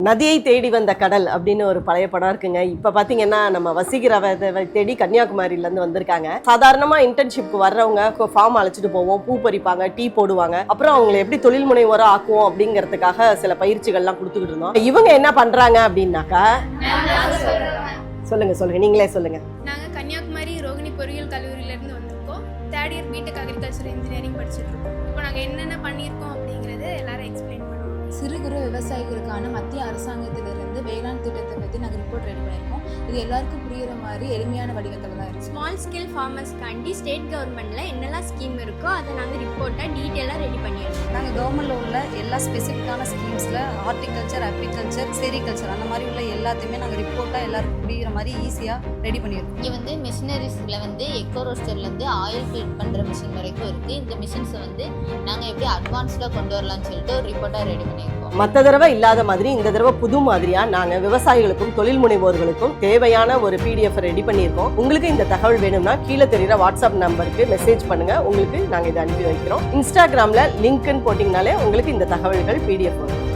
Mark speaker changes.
Speaker 1: நதியை தேடி வந்த கடல் அப்படின்னு ஒரு பழைய படம் இருக்குங்க. இப்ப பாத்தீங்கன்னா நம்ம வசீகராவை தேடி கன்னியாகுமரியில இருந்து வந்திருக்காங்க. சாதாரணமா இன்டர்ன்ஷிப்க்கு வர்றவங்க ஃபார்ம் அழைச்சிட்டு போவோம், பூ பறிப்பாங்க, டீ போடுவாங்க. அப்புறம் அவங்களை எப்படி தொழில் முனைவோரா ஆக்குவோம் அப்படிங்கறதுக்காக சில பயிற்சிகள்லாம் கொடுத்துக்கிட்டு இருந்தோம். இவங்க என்ன பண்றாங்க அப்படின்னாக்கா, சொல்லுங்க நீங்களே சொல்லுங்க.
Speaker 2: நாங்க கன்னியாகுமரி ரோகிணி பொறியியல் கல்லூரியில இருந்து வந்திருக்கோம். Third year BTech agriculture engineering படிச்சுட்டு இருக்கோம். இப்போ நாங்க என்னென்ன பண்ணியிருக்கோம் அப்படிங்கறது எல்லாரும் எக்ஸ்பிளைன் பண்ணுவோம்.
Speaker 3: சிறு குறு விவசாயிகளுக்கான மத்திய அரசாங்கத்திலிருந்து வேளாண் திட்டத்தை பற்றி நாங்கள் ரிப்போர்ட் ரெடி பண்ணியிருக்கோம். இது எல்லாருக்கும் புரியுற மாதிரி எளிமையான வடிவத்தில் தான் இருக்குது.
Speaker 4: ஸ்மால் ஸ்கேல் ஃபார்மர்ஸ்க்காண்டி ஸ்டேட் கவர்மெண்ட்டில் என்னெல்லாம் ஸ்கீம் இருக்கோ அதை நாங்கள் ரிப்போர்ட்டாக டீட்டெயிலாக ரெடி பண்ணியிருக்கோம்.
Speaker 3: நாங்கள் கவர்மெண்ட்டில் உள்ள எல்லா ஸ்பெசிஃபிக்கான ஸ்கீம்ஸில் ஹார்டிகல்ச்சர், அக்ரிகல்ச்சர், செரிகல்ச்சர் அந்த மாதிரி உள்ள எல்லாத்தையுமே நாங்கள் ரிப்போர்ட்டாக எல்லாருக்கும் புரியுற மாதிரி ஈஸியாக ரெடி பண்ணியிருக்கோம்.
Speaker 5: இங்கே வந்து மிஷினரிஸில் வந்து எக்கோ ரோஸ்டர்லேருந்து ஆயில் ஃபில்ட் பண்ணுற மிஷின் வரைக்கும் இருக்குது. இந்த மிஷின்ஸை வந்து நாங்கள் எப்படி அட்வான்ஸ்டாக கொண்டு வரலாம்னு சொல்லிட்டு ஒரு ரிப்போர்ட்டாக ரெடி பண்ணியிருக்கோம்.
Speaker 1: மற்ற தடவை இல்லாத மாதிரி இந்த தடவை புது மாதிரியா நாங்க விவசாயிகளுக்கும் தொழில் முனைவோர்களுக்கும் தேவையான ஒரு PDF ரெடி பண்ணியிருக்கோம். உங்களுக்கு இந்த தகவல் வேணும்னா கீழே தெரியுற வாட்ஸ்அப் நம்பருக்கு மெசேஜ் பண்ணுங்க. உங்களுக்கு நாங்க இதை அனுப்பி வைக்கிறோம். இன்ஸ்டாகிராம்ல லிங்க்னு போட்டீங்கனாலே உங்களுக்கு இந்த தகவல்கள் PDF வரும்.